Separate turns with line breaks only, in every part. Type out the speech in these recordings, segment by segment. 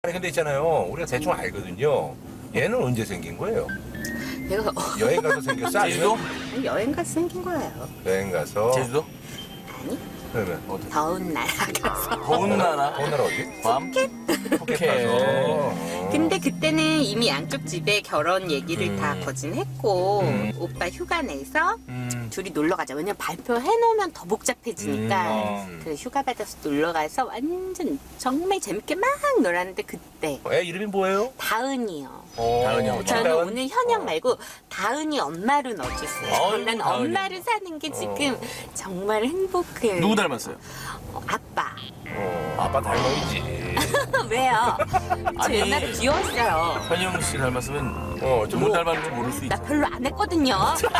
아니 근데 있잖아요. 우리가 대충 알거든요. 얘는 언제 생긴 거예요?
내가
여행 가서 생겼어?
제주도?
아니면
여행 가서 생긴 거예요.
여행 가서.
제주도?
아니,
그러면 어디?
더운 나라 가서.
더운 나라?
더운 나라 어디?
괌?
푸켓 가서.
근데 그때는 이미 양쪽 집에 결혼 얘기를 다 거진했고 오빠 휴가 내서 둘이 놀러 가자. 왜냐면 발표해놓으면 더 복잡해지니까. 그래 휴가 받아서 놀러 가서 완전 정말 재밌게 막 놀았는데 그때
애 이름이 뭐예요?
다은이요.
다은이요.
저는
다은?
오늘 현영 말고 다은이 엄마로 넣어주세요.
어이,
난
다은이.
엄마를 사는 게 지금 정말 행복해.
누구 닮았어요?
아빠.
아빠 닮아있지.
왜요? 저
아니.
옛날에 귀여웠어요.
현영 씨 닮았으면
좀
누구 닮았는지 모를 수
나
있어.
별로 안 했거든요.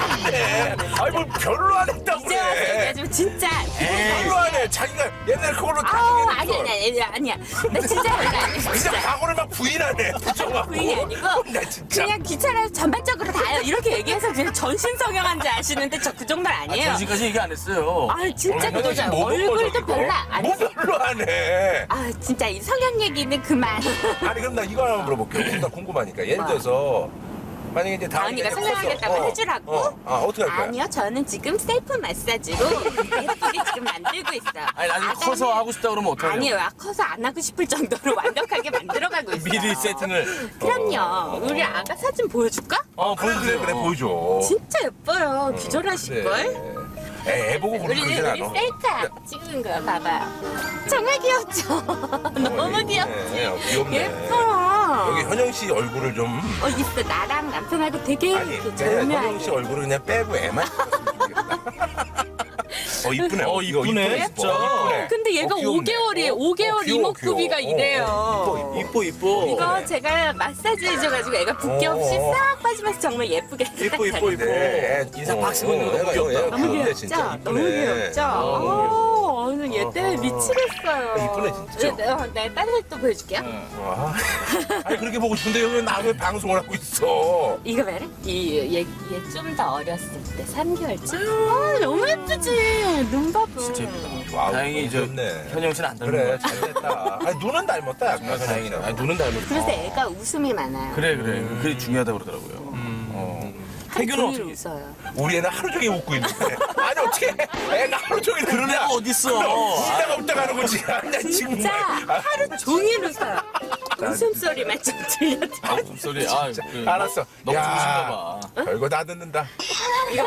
네. 아니 뭘 별로 안 했다고
이제 와서
그래.
얘기하지만 진짜.
별로 안 해. 자기가 옛날에 그걸로 다
아우
부인했어.
아니야. 나 진짜 별로 안 했어.
진짜 과거를 막 부인하네. 부정하고.
부인이 아니고
나 진짜.
그냥 귀찮아서 전반적으로 다요. 이렇게 얘기해서 그냥 전신성형한 줄 아시는데 저 그 정도는 아니에요.
전시까지 얘기 안 했어요.
아 진짜
얼마나
그거죠.
뭐 먹은 거죠,
얼굴도
그거?
별로 안
뭐
했어.
별로 안 해.
아 진짜 이 성형 얘기는 그만.
아니 그럼 나 이거 하나 물어볼게요. 나 궁금하니까. 예를 들어서 만약에 이제
다은이가
이제
성형하겠다고
컸어.
해주라고?
어떻게 할 거야?
아니요, 저는 지금 셀프 마사지로 예쁘게 지금 만들고 있어요.
아니 나중에
아가는-
커서 하고 싶다 그러면 어떡해요?
아니요, 커서 안 하고 싶을 정도로 완벽하게 만들어가고 있어요.
미리 세팅을.
그럼요. 우리 아가 사진 보여줄까?
보여주세요.
그래 보여줘.
진짜 예뻐요. 기절하실걸?
애 보고
우리
그러진 않아.
셀카 찍은 거야, 봐봐요. 정말 귀엽죠? 너무 귀엽지?
귀엽네.
예뻐요.
여기 현영 씨 얼굴을 좀
있어. 나랑 남편하고 되게
아니
이렇게
그냥 현영 씨
절묘하게.
얼굴을 그냥 빼고 애만 찍었으면 좋겠다. 이쁘네. 이거
이쁘네,
이뻐,
진짜.
이쁘네.
근데 얘가
귀엽네.
5개월이에요. 5개월
귀여워,
이목구비가
귀여워.
이래요.
이뻐.
이거 제가 마사지 해줘가지고 애가 붓기 없이
어.
싹 빠지면서 정말 예쁘게
네,
인상 팍 쓰고 있는 거 너무 귀엽다.
너무
귀엽네,
귀엽죠?
진짜.
너무
이쁘네.
귀엽죠? 오늘 얘 때문에 미치겠어요.
이쁘네, 진짜.
네, 다른 걸 또 보여줄게요.
와. 아니 그렇게 보고 싶은데 왜 나 왜 방송을 하고 있어?
이거 봐라. 얘 좀 더 어렸을 때 3개월쯤. 너무 예쁘지? 눈 봐봐.
진짜 예쁘다.
와우,
다행히 이제
귀엽네.
현영 씨는 안 닮은
그래
거 같아.
잘됐다. 아니 눈은 닮았다. 약간
정말 다행이다.
현영
아니,
씨하고.
눈은 닮은
그래서
거.
애가 웃음이 많아요.
그래. 그게 중요하다고 그러더라고요.
하루
태교는
종일
어떻게?
웃어요.
우리 애는 하루 종일 웃고 있는데. 아니 어떻게 애가 하루 종일
그런
웃냐?
애가 어딨어?
웃다가 웃다가 하는 거지. 아니 나 지금
진짜 하루 종일 웃어요. 웃음소리만 좀 들려도.
웃음소리.
알았어.
너무
야,
좋으신가 봐.
별거 다 듣는다.
이거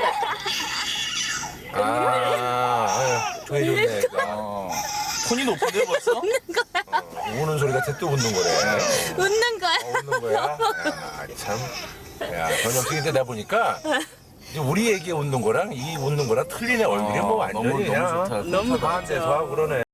봐.
좋네 좋네.
톤이 높은데 벌써?
우는 소리 같아 또 웃는 거래.
웃는 거야.
웃는 거야? 야, 참. 야, 현영 씨 근데 내가 보니까 이제 우리 애기 웃는 거랑 이 웃는 거랑 틀리네 얼굴이 뭐 완전히
너무
그냥
좋다.
너무
반대서 하고 그러네.